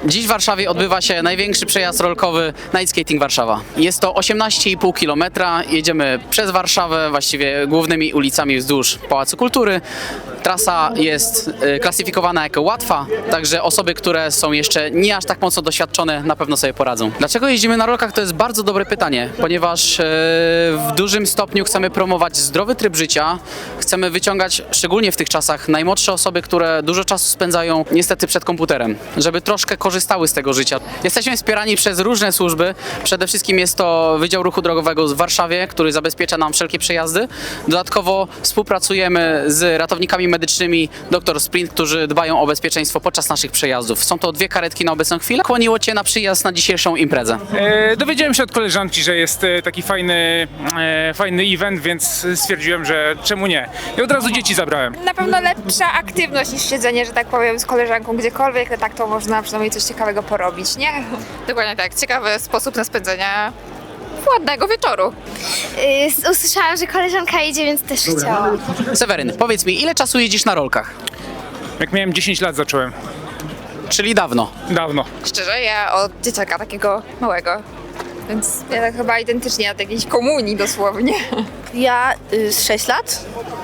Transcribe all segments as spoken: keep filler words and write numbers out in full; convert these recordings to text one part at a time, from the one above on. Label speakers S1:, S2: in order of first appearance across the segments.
S1: Dziś w Warszawie odbywa się największy przejazd rolkowy Night Skating Warszawa. Jest to osiemnaście i pół kilometra. Jedziemy przez Warszawę, właściwie głównymi ulicami wzdłuż Pałacu Kultury. Trasa jest y, klasyfikowana jako łatwa, także osoby, które są jeszcze nie aż tak mocno doświadczone, na pewno sobie poradzą. Dlaczego jeździmy na rolkach? To jest bardzo dobre pytanie, ponieważ y, w dużym stopniu chcemy promować zdrowy tryb życia. Chcemy wyciągać, szczególnie w tych czasach, najmłodsze osoby, które dużo czasu spędzają niestety przed komputerem, żeby troszkę korzystały z tego życia. Jesteśmy wspierani przez różne służby. Przede wszystkim jest to Wydział Ruchu Drogowego w Warszawie, który zabezpiecza nam wszelkie przejazdy. Dodatkowo współpracujemy z ratownikami medycznymi Doktor Sprint, którzy dbają o bezpieczeństwo podczas naszych przejazdów. Są to dwie karetki na obecną chwilę. Kłoniło Cię na przyjazd na dzisiejszą imprezę?
S2: E, dowiedziałem się od koleżanki, że jest e, taki fajny, e, fajny event, więc stwierdziłem, że czemu nie. I od razu dzieci zabrałem.
S3: Na pewno lepsza aktywność niż siedzenie, że tak powiem, z koleżanką gdziekolwiek, ale tak to można przynajmniej coś ciekawego porobić, nie?
S4: Dokładnie tak, ciekawy sposób na spędzenie ładnego wieczoru.
S5: Yy, usłyszałam, że koleżanka idzie, więc też chciałam.
S1: Seweryn, powiedz mi, ile czasu jeździsz na rolkach?
S2: Jak miałem dziesięć lat zacząłem,
S1: Czyli dawno.
S2: dawno.
S4: Szczerze, ja od dzieciaka takiego małego, więc
S3: Ja tak chyba identycznie od jakiejś komunii dosłownie.
S6: Ja y, z sześć lat.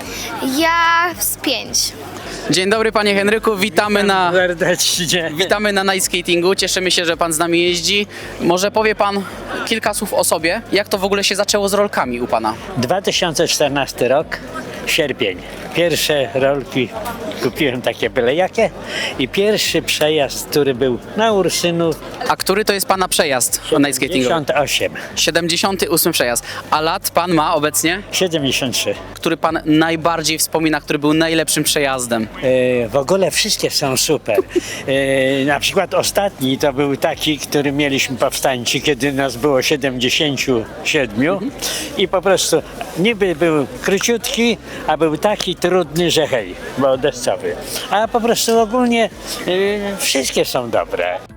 S5: Ja z pięć.
S1: Dzień dobry, panie Henryku, witamy na,
S7: Serdecznie.
S1: witamy na night skatingu. Cieszymy się, że pan z nami jeździ. Może powie pan kilka słów o sobie, jak to w ogóle się zaczęło z rolkami u pana?
S7: dwa tysiące czternasty rok, sierpień. Pierwsze rolki kupiłem takie byle jakie i pierwszy przejazd, który był na Ursynu,
S1: A który to jest pana przejazd night skatingowy?
S7: siedemdziesiąt osiem,
S1: siedemdziesiąty ósmy przejazd. A lat pan ma obecnie?
S7: siedemdziesiąt trzy.
S1: Który pan najbardziej wspomina, który był najlepszym przejazdem?
S7: E, w ogóle wszystkie są super. E, na przykład ostatni to był taki, który mieliśmy powstańczy, kiedy nas było siedemdziesięciu siedmiu i po prostu niby był króciutki, a był taki trudny, że hej, bo deszczowy. A po prostu ogólnie e, wszystkie są dobre.